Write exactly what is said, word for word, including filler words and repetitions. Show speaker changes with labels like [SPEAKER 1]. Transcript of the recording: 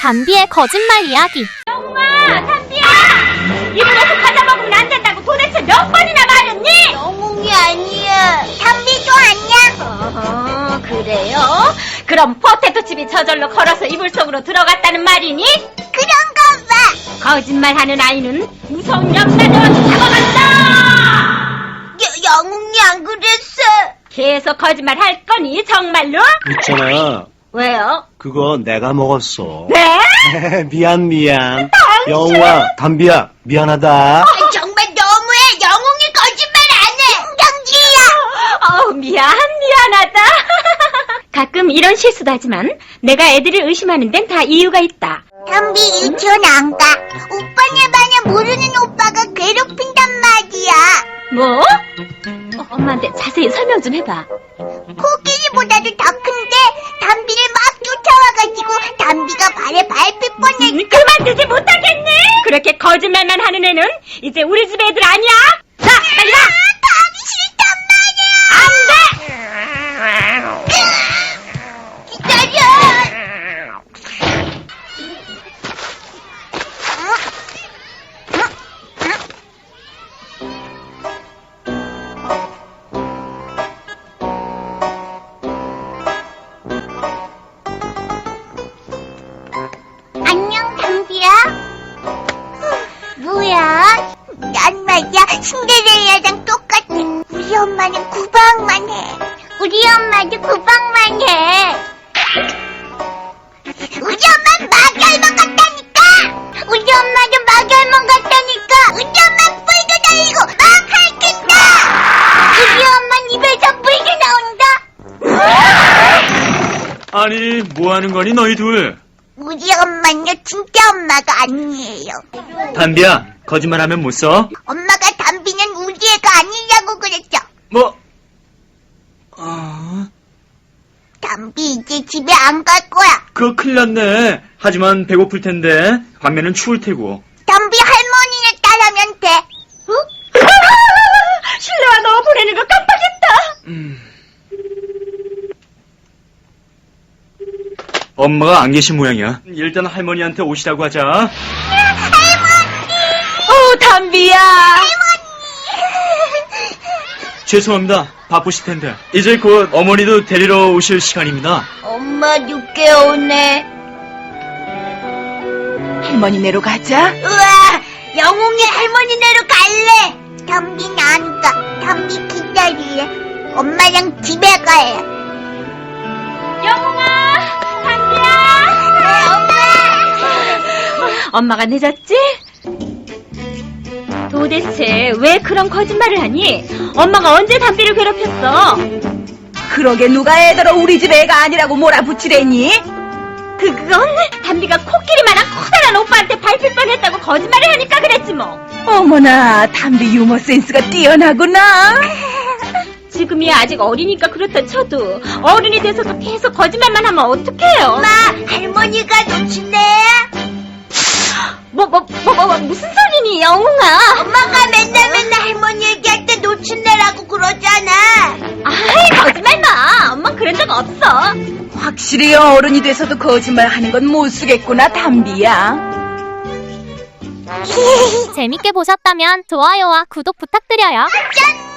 [SPEAKER 1] 담비의 거짓말 이야기.
[SPEAKER 2] 영웅아, 담비야! 입으로서 과자 먹으면 안 된다고 도대체 몇 번이나 말했니?
[SPEAKER 3] 영웅이 아니야. 담비도 아니야.
[SPEAKER 2] 어허, 그래요? 그럼 포테토칩이 저절로 걸어서 이불 속으로 들어갔다는 말이니?
[SPEAKER 3] 그런가 봐.
[SPEAKER 2] 거짓말하는 아이는 무서운 염라대왕 잡아간다!
[SPEAKER 3] 여, 영웅이 안 그랬어.
[SPEAKER 2] 계속 거짓말 할 거니, 정말로?
[SPEAKER 4] 있잖아.
[SPEAKER 2] 왜요?
[SPEAKER 4] 그거 내가 먹었어.
[SPEAKER 2] 네?
[SPEAKER 4] 미안, 미안.
[SPEAKER 2] 당신!
[SPEAKER 4] 영웅아, 담비야, 미안하다.
[SPEAKER 3] 아, 정말 너무해. 영웅이 거짓말 안 해.
[SPEAKER 2] 어우, 미안, 미안하다. 가끔 이런 실수도 하지만 내가 애들을 의심하는 데는 다 이유가 있다.
[SPEAKER 3] 담비 유치원 안 가. 오빠네 반에 모르는 오빠가 괴롭힌단 말이야.
[SPEAKER 2] 뭐? 어, 엄마한테 자세히 설명 좀 해봐.
[SPEAKER 3] 코끼리보다도 더 큰데 담비를 막 쫓아와가지고 담비가 발에 밟힐 뻔했어.
[SPEAKER 2] 음, 그만두지 못하겠니? 그렇게 거짓말만 하는 애는 이제 우리 집 애들 아니야? 자, 빨리 와!
[SPEAKER 3] 가기 싫단 말이야.
[SPEAKER 2] 안 돼!
[SPEAKER 3] 기다려. 안녕, 담비야. 뭐야? 난 말이야, 신데렐라랑 똑같아. 우리 엄마는 구박만 해. 우리 엄마도 구박만 해. 우리 엄마는 마결만 같다니까! 우리 엄마도 마결만 같다니까! 우리 엄마 뿔도 달리고 막 핥힌다! 우리 엄마 입에서 뿔도 나온다!
[SPEAKER 4] 아니, 뭐 하는 거니, 너희 둘?
[SPEAKER 3] 우리 엄마는요, 진짜 엄마가 아니에요.
[SPEAKER 4] 담비야, 거짓말하면 못 써?
[SPEAKER 3] 엄마가 담비는 우리 애가 아니라고 그랬죠.
[SPEAKER 4] 뭐? 아...
[SPEAKER 3] 담비 이제 집에 안 갈 거야.
[SPEAKER 4] 그거 큰일 났네. 하지만 배고플 텐데, 밤에는 추울 테고.
[SPEAKER 3] 담비 할머니네 따라면 돼. 어?
[SPEAKER 2] 실내와 너 보내는 거 깜빡했다.
[SPEAKER 4] 음... 엄마가 안 계신 모양이야. 일단 할머니한테 오시라고 하자.
[SPEAKER 2] 어, 담비야.
[SPEAKER 4] 죄송합니다. 바쁘실 텐데. 이제 곧 어머니도 데리러 오실 시간입니다.
[SPEAKER 3] 엄마 늦게 오네.
[SPEAKER 2] 할머니네로 가자.
[SPEAKER 3] 우와, 영웅이 할머니네로 갈래. 담비는 안 가. 담비 기다릴래. 엄마랑 집에 가요.
[SPEAKER 2] 영웅아, 담비야.
[SPEAKER 3] 엄마.
[SPEAKER 2] 엄마가 늦었지? 도대체 왜 그런 거짓말을 하니? 엄마가 언제 담비를 괴롭혔어?
[SPEAKER 5] 그러게 누가 애들어 우리 집 애가 아니라고 몰아붙이래니?
[SPEAKER 2] 그, 그건 담비가 코끼리만한 커다란 오빠한테 밟힐 뻔했다고 거짓말을 하니까 그랬지 뭐.
[SPEAKER 5] 어머나, 담비 유머 센스가 뛰어나구나.
[SPEAKER 2] 지금이야 아직 어리니까 그렇다 쳐도 어른이 돼서도 계속 거짓말만 하면 어떡해요?
[SPEAKER 3] 엄마, 할머니가 놓친대.
[SPEAKER 2] 뭐, 뭐, 뭐, 뭐, 뭐 무슨 소리니, 영웅아?
[SPEAKER 3] 엄마가 맨날 맨날 할머니 얘기할 때 놓친대라고 그러잖아.
[SPEAKER 2] 아이, 거짓말 마. 엄만 그런 적 없어.
[SPEAKER 5] 확실히 어른이 돼서도 거짓말 하는 건 못 쓰겠구나, 담비야.
[SPEAKER 1] 재밌게 보셨다면 좋아요와 구독 부탁드려요.
[SPEAKER 3] 짠!